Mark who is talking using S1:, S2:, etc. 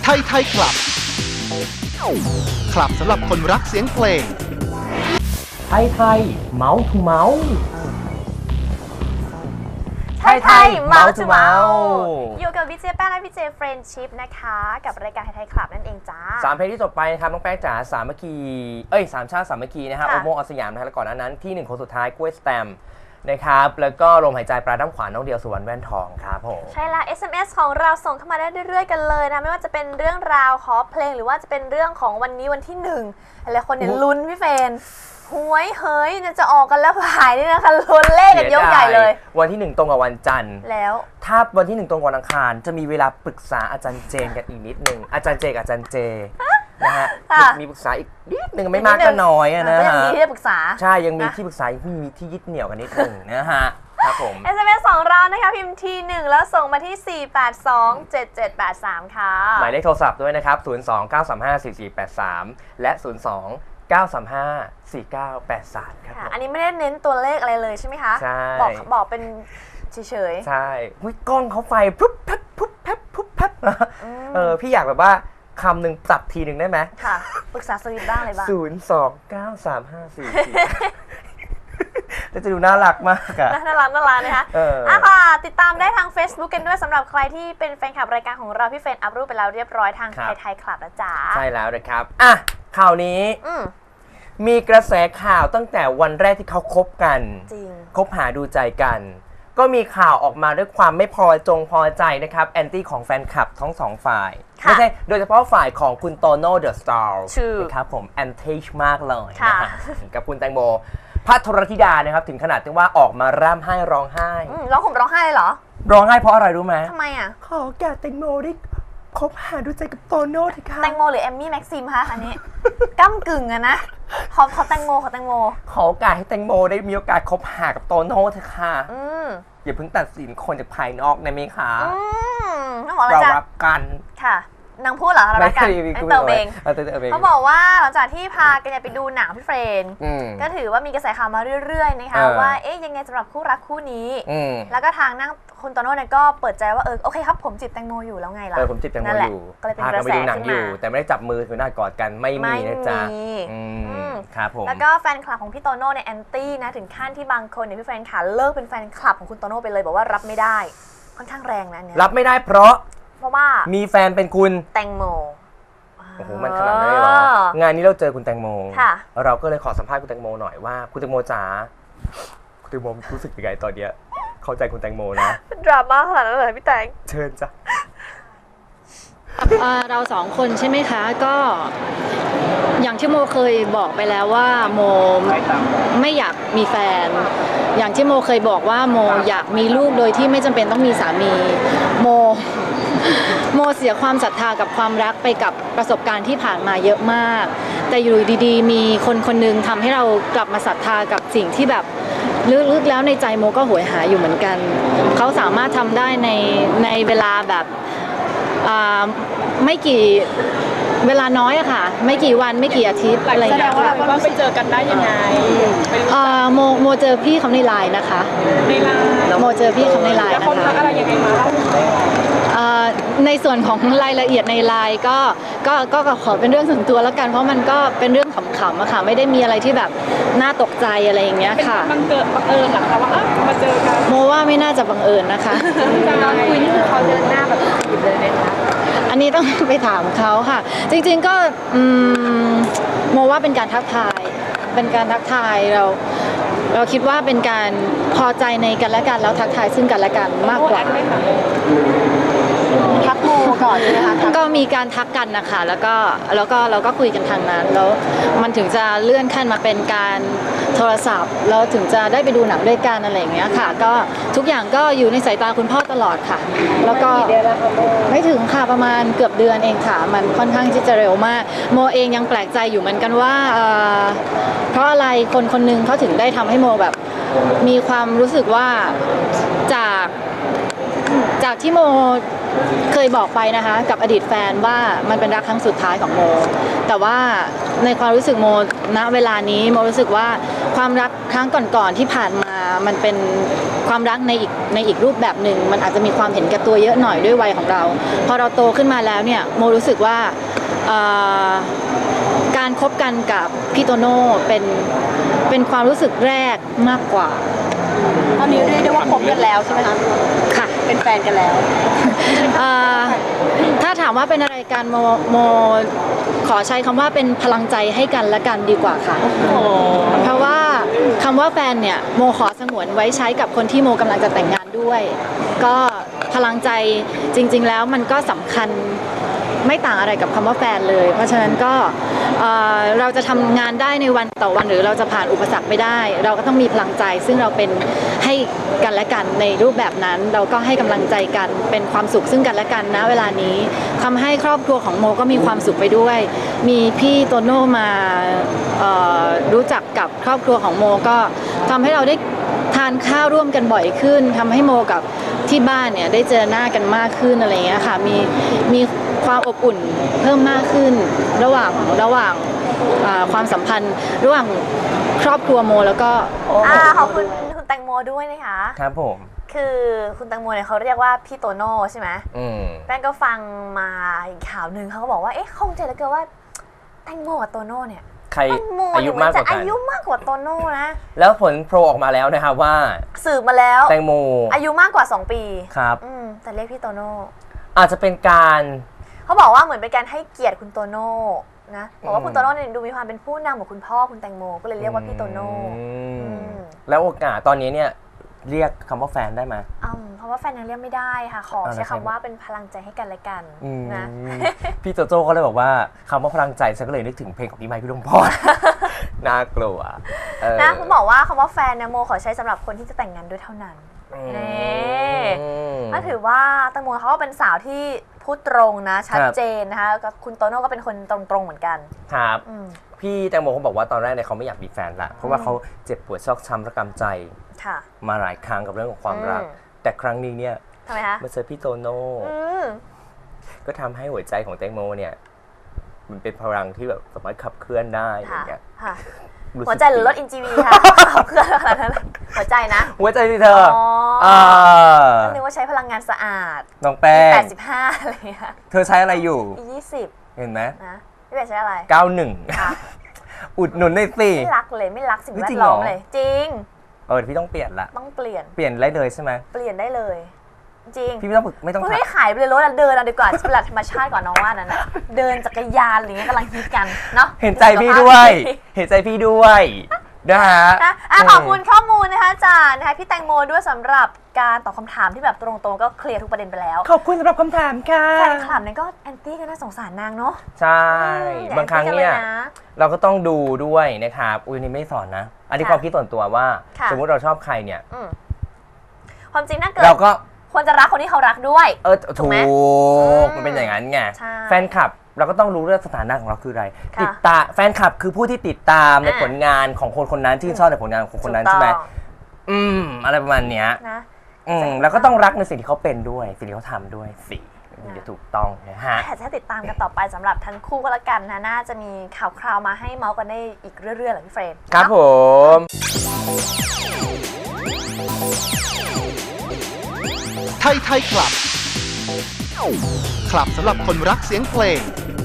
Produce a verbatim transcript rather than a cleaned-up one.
S1: ทยไทยคลับคลับสำหรับคนรักเสียงเพลง
S2: ไทยไทยเมาส์ทูเมาส์
S3: ไทยไทยเมาส์ทูเมาส์อยู่กับพี่เจแป้งและพี่เจเฟรนชิพนะคะกับรายการไทยไทยคลับนั่นเองจ้า
S2: สามเพลงที่จบไปนะครับน้องแป้งจ๋าสามัคคีเอ้ยสามชาติสามัคคีนะฮะโอโมอสยามนะฮะแล้วก่อนหน้านั้นที่หนึ่งคนสุดท้ายกล้วยสแตมนะครับแล้วก็ลมหายใจปลาด้ามขวานน้องเดียวสุวรรณแว่นทองครับผม
S3: ใช่ละ เอส เอ็ม เอส ของเราส่งเข้ามาได้เรื่อยๆกันเลยนะไม่ว่าจะเป็นเรื่องราวขอเพลงหรือว่าจะเป็นเรื่องของวันนี้วันที่หนึ่งหลายคนเนี่ยลุ้นพี่เฟรนหวยเฮ้ยจะออกกันแล้วหายนี่นะคะลุ้นเลขกันยกใหญ่เลย
S2: วันที่หนึ่งตรงกับวันจันทร์
S3: แล้ว
S2: ถ้าวันที่หนึ่งตรงกับวันอังคารจะมีเวลาปรึกษาอาจารย์เจนกันอีกนิดนึงอาจารย์เจกับอาจารย์เจนะฮะมีปรึกษาอีกนิดนึงไม่มากก็น้อยนะฮะ
S3: ยังมีที่จะปรึกษา
S2: ใช่ยังมีที่ปรึกษายังมีที่ยึดเหนี่ยวกันนิดนึงนะฮะครับผม
S3: เอส เอ็ม เอส ของเรานะคะพิมพ์ทีหนึ่งแล้วส่งมาที่สี่ แปด สอง เจ็ด เจ็ด แปด สามค่ะ
S2: หมายเลขโทรศัพท์ด้วยนะครับศูนย์ สอง เก้า สาม ห้า สี่ สี่ แปด สามและศูนย์ สอง เก้า สาม ห้า สี่ เก้า แปด สามครับ
S3: อันนี้ไม่ได้เน้นตัวเลขอะไรเลยใช่ไหมคะ
S2: ใช่
S3: บอกบอกเป็นเฉย
S2: ๆใช่หุ้ยกล้องเขาไฟปุ๊บแป๊บปุ๊บแป๊บปุ๊บแป๊บเออพี่อยากแบบว่าคำหนึ่งปรับทีหนึ่งได้ไหม
S3: ค่ะปรึกษาสวิตบ้างอะไรบ้าง
S2: ศูนย์ สอง เก้า สาม ห้า สี่ สี่แล้วจะดูน่ารักมากอะ
S3: น่ารักน่ารักนะคะอ่ะค่ะติดตามได้ทาง Facebook กันด้วยสำหรับใครที่เป็นแฟนคลับรายการของเราพี่เฟรนอัพรูปไปแล้วเรียบร้อยทางไทยไทยคลับนะจ๊ะ
S2: ใช่แล้วนะครับอ่ะข่าวนี้มีกระแสข่าวตั้งแต่วันแรกที่เขาคบกัน
S3: จริง
S2: คบหาดูใจกันก็มีข่าวออกมาด้วยความไม่พอจงพอใจนะครับแอนตี้ของแฟนคลับทั้งสองฝ่ายไม่ใช่โดยเฉพาะฝ่ายของคุณโตโน่เดอะสตาร์นะครับผมแอนตี้มากเลยนะกับคุณแตงโมพัทรธิดานะครับถึงขนาดที่ว่าออกมาร่ำไห้ร้องไห้
S3: ร้องห่มร้องไห้เลยเหรอ
S2: ร้องไห้เพราะอะไรรู้ไหม
S3: ทำไมอ่ะ
S2: ขอแก่แตงโมได้คบหาดูใจกับโตโน่เถอะค่ะ
S3: แตงโมหรือเอมมี่แม็กซิมคะอันนี้ก้ำกึ่งอะนะขอขอแตงโมขอแตงโม
S2: ขอโอกาสให้แตงโมได้มีโอกาสคบหากับโตโน่เถอะค่ะอย่าเพิ่งตัดสินคนจากภายนอกนะเมคะเรารักกัน
S3: ค่ะนางพูดเหรอเรารักกันเติมเองเขาบอกว่าหลังจากที่พากันไปดูหนังพี่เฟรนก็ถือว่ามีกระแสข่าวมาเรื่อยๆนะคะว่าเอ๊ยยังไงสำหรับคู่รักคู่นี้แล้วก็ทางนั่งคุณโตโน่เนี่ยก็เปิดใจว่าเออโอเคครับผมจีบแตงโมอยู่แล้วไงล่ะ
S2: เออผมจีบแตงโมอยู่พากันไปดูหนังอยู่แต่ไม่ได้จับมือถือหน้ากอดกันไม่มีนะจ๊ะครับผม
S3: แล้วก็แฟนคลับของพี่โตโน่เนี่ยแอนตี้นะถึงขั้นที่บางคนเนี่ยพี่เฟรนขาเลิกเป็นแฟนคลับของคุณโตโน่ไปเลยบอกว่ารับไม่ได้ค่อนข้างแรงนะเนี่ย
S2: รับไม่ได้เพราะ
S3: เพราะว่า
S2: มีแฟนเป็นคุณ
S3: แตงโม
S2: โอ้โหมันขนาดนั้นเลยเหรองานนี้เราเจอคุณแตงโมเราก็เลยขอสัมภาษณ์คุณแตงโมหน่อยว่าคุณแตงโมจ๋าคุณแตงโมรู้สึกยังไงตอนเนี้ยเข้าใจคุณแตงโมนะ
S3: ดราม่าขนาดนั้นเลยพี่แตง
S2: เชิญจ้ะ
S4: เราสองคนใช่ไหมคะก็อย่างที่โมเคยบอกไปแล้วว่าโมไม่อยากมีแฟนอย่างที่โมเคยบอกว่าโมอยากมีลูกโดยที่ไม่จำเป็นต้องมีสามีโมโมเสียความศรัทธากับความรักไปกับประสบการณ์ที่ผ่านมาเยอะมากแต่อยู่ดีๆมีคนคนนึงทำให้เรากลับมาศรัทธากับสิ่งที่แบบลึกๆแล้วในใจโมก็โหยหาอยู่เหมือนกันเขาสามารถทำได้ในในเวลาแบบไม่กี่เวลาน้อยอะค่ะไม่กี่วันไม่กี่อาทิตย์อะไรอย่างเงี้ยค่ะ
S5: ว่าไปเจอกันได้ยังไง
S4: โมโมเจอพี่เขาในไลน์นะคะ
S5: ในไลน์
S4: โมเจอพี่เขาในไลน์นะคะ
S5: แล้วคนทักอะไรยังไงมา
S4: ในส่วนของรายละเอียดในไลน์ก็ก็ก็ขอเป็นเรื่องส่วนตัวแล้วกันเพราะมันก็เป็นเรื่องขำๆอะค่ะไม่ได้มีอะไรที่แบบน่าตกใจอะไรอย่างเงี้ยค่ะ
S5: มันเกิดบังเอิญหรอคะว่ามาเจอกัน
S4: โมว่าไม่น่าจะบังเอิญนะคะ
S5: ตอนคุยนี่คือเขาเดินหน้าแบบจีบเลยไหมคะ
S4: อันนี้ต้องไปถามเขาค่ะจริงๆก็โมว่าเป็นการทักทายเป็นการทักทายเราเราคิดว่าเป็นการพอใจในกันและกันแล้วทักทายซึ่งกันและกันมากกว่า
S3: ทักโมก่อนใช่ไหมคะ
S4: ก็มีการทักกันนะคะแล้วก็แล้วก็เราก็คุยกันทางนั้นแล้วมันถึงจะเลื่อนขั้นมาเป็นการโทรศัพท์แล้วถึงจะได้ไปดูหนังด้วยกันอะไรอย่างเงี้ยค่ะก็ทุกอย่างก็อยู่ในสายตาคุณพ่อตลอดค่ะแล้วก็ไม่ถึงค่ะประมาณเกือบเดือนเองค่ะมันค่อนข้างที่จะเร็วมากโมเองยังแปลกใจอยู่เหมือนกันว่าเพราะอะไรคนคนนึงเขาถึงได้ทำให้โมแบบมีความรู้สึกว่าจากจากที่โมเคยบอกไปนะคะกับอดีตแฟนว่ามันเป็นรักครั้งสุดท้ายของโมแต่ว่าในความรู้สึกโมณเวลานี้โมรู้สึกว่าความรักครั้งก่อนๆที่ผ่านมามันเป็นความรักในอีกในอีกรูปแบบหนึ่งมันอาจจะมีความเห็นแก่ตัวเยอะหน่อยด้วยวัยของเราพอเราโตขึ้นมาแล้วเนี่ยโมรู้สึกว่าการคบกันกับพี่โตโน่เป็นเป็นความรู้สึกแรกมากกว่า
S5: ตอนนี้เรียกได้ว่าคบกันแล้วใช่ไหมคะ
S4: ค่ะ
S5: เป็นแฟนกันแล้ว
S4: ถ้าถามว่าเป็นอะไรกันโมโมขอใช้คำว่าเป็นพลังใจให้กันและกันดีกว่าค่ะเพราะว่าคำว่าแฟนเนี่ยโมขอสงวนไว้ใช้กับคนที่โมกำลังจะแต่งงานด้วยก็พลังใจจริงๆแล้วมันก็สำคัญไม่ต่างอะไรกับคำว่าแฟนเลยเพราะฉะนั้นก็เราจะทำงานได้ในวันต่อวันหรือเราจะผ่านอุปสรรคไปได้เราก็ต้องมีพลังใจซึ่งเราเป็นให้กันและกันในรูปแบบนั้นเราก็ให้กำลังใจกันเป็นความสุขซึ่งกันและกันนะเวลานี้ทำให้ครอบครัวของโมก็มีความสุขไปด้วยมีพี่โตโน่มารู้จักกับครอบครัวของโมก็ทำให้เราได้ทานข้าวร่วมกันบ่อยขึ้นทำให้โมกับที่บ้านเนี่ยได้เจอหน้ากันมากขึ้นอะไรเงี้ยค่ะมีมีความอบอุ่นเพิ่มมากขึ้นระหว่างระหว่างความสัมพันธ์ระหว่างครอบครัวโมแล้วก็
S3: ขอบคุณคุณแตงโมด้วยนะคะ
S2: ครับผม
S3: คือคุณแตงโมเนี่ยเขาเรียกว่าพี่โตโน่ใช่ไหมแป้งก็ฟังมาอีกข่าวหนึ่งเขาก็บอกว่าเอ๊ะคงใจเหลือเกินว่าแตงโมกับโตโน่เนี่ย
S2: ใครอายุมากกว่ากัน
S3: อายุมากกว่าโตโน่นะ
S2: แล้วผลโพลออกมาแล้วนะครับว่า
S3: สืบมาแล้ว
S2: แตงโม
S3: อายุมากกว่าสองปี
S2: ครับ
S3: แต่เรียกพี่โตโน่
S2: อาจจะเป็นการ
S3: เขาบอกว่าเหมือนเป็นการให้เกียรติคุณโตโน่นะบอกว่าคุณโตโน่เนี่ยดูมีความเป็นผู้นำของคุณพ่อคุณแตงโมก็เลยเรียกว่าพี่โตโน่
S2: แล้วโอกาสตอนนี้เนี่ยเรียกคำว่าแฟนได้ไหม
S3: อืมเพราะว่าแฟนยังเรียกไม่ได้ค่ะขอใช้คำว่าเป็นพลังใจให้กันและกันนะ
S2: พี่โจโจ้ก็เลยบอกว่าคำว่าพลังใจฉันก็เลยนึกถึงเพลงของพี่ไมค์พี่ดวงพรน่ากลัว
S3: นะคุณบอกว่าคำว่าแฟนนะโมขอใช้สำหรับคนที่จะแต่งงานด้วยเท่านั้นนี่ก็ถือว่าแตงโมเขาก็เป็นสาวที่พูดตรงนะชัดเจนนะคะกับคุณโตโน่ก็เป็นคนตรงๆเหมือนกัน
S2: ครับพี่แตงโมเขาบอกว่าตอนแรกเนี่ยเขาไม่อยากมีแฟนละเพราะว่าเขาเจ็บปวดชอกช้ำระกำใจมาหลายครั้งกับเรื่องของความรักแต่ครั้งนี้เนี่ย
S3: ทำไมคะ
S2: มาเจอพี่โตโน่ก็ทำให้หัวใจของแตงโมเนี่ยมันเป็นพลังที่แบบสามารถขับเคลื่อนได้อย่างเงี้ย
S3: หัวใจหรือรถ อิน จี วี ค่ะขับเคลื่อนอะไรนั้นหัวใจนะ
S2: หัวใจที่เธออ๋อ
S3: นึกว่าใช้พลังงานสะอาด
S2: น้องแป้ง
S3: แปดสิบห้าอะไรค่ะ
S2: เธอใช้อะไรอยู่
S3: ยี่สิบ
S2: เห็นไหม
S3: นะพี่แป้งใช้อะไร
S2: เก้าสิบเอ็ดอุดหนุนในสิ
S3: ไม่รักเลยไม่รักสิ่งแวดล้อมเลยจริง
S2: เออพี่ต้องเปลี่ยนละ
S3: ต้องเปลี่ยน
S2: เปลี่ยนได้เลยใช่ไหม
S3: เปลี่ยนได้เลยจริง
S2: พี่ไม่ต้องไม่ต้อง
S3: ไม่ขายไปเลยรถเดินเอาดีกว่าเป็นหลักธรรมชาติก่อนน้องว่านั่นนะเดินจักรยานอะไรเงี้ยกำลังฮิตกันเนาะ
S2: เห็นใจพี่ด้วยเห็นใจพี่ด้วยนะฮะ
S3: ขอบคุณข้อมูลนะคะอาจารย์นะคะพี่แตงโมด้วยสำหรับการตอบคำถามที่แบบตรงๆก็เคลียร์ทุกประเด็นไปแล้ว
S2: ขอบคุณสำหรับคำถามค่ะ
S3: แฟนคลับเนี่ยก็แอนตี้กันน่าสงสารนางเนาะ
S2: ใช่บางครั้งเนี่ยเราก็ต้องดูด้วยนะครับอุ้ยนี่ไม่สอนนะอันนี้ความคิดส่วนตัวว่าสมมติเราชอบใครเนี่ย
S3: ความจริงน่าเกิด
S2: เราก็
S3: ควรจะรักคนที่เขารักด้วย
S2: เออถูกมันเป็นอย่างนั้นไงแฟนคลับเราก็ต้องรู้เรื่องสถานะของเราคืออะไรติดตามแฟนคลับคือผู้ที่ติดตามในผลงานของคนคนนั้นที่ชอบในผลงานของคนนั้นใช่ไหมอืมอะไรประมาณเนี้ยนะอืมแล้วก็ต้องรักในสิ่งที่เขาเป็นด้วยสิ่งที่เขาทำด้วยสิมันจะถูกต้องนะฮะ
S3: แต่จะติดตามกันต่อไปสำหรับทั้งคู่ก็แล้วกันนะน่าจะมีข่าวคราวมาให้เมาส์กันได้อีกเรื่อยๆแหละพี่เฟรน
S2: ครับผม
S1: ไทยไทยคลับคลับสำหรับคนรักเสียงเพลง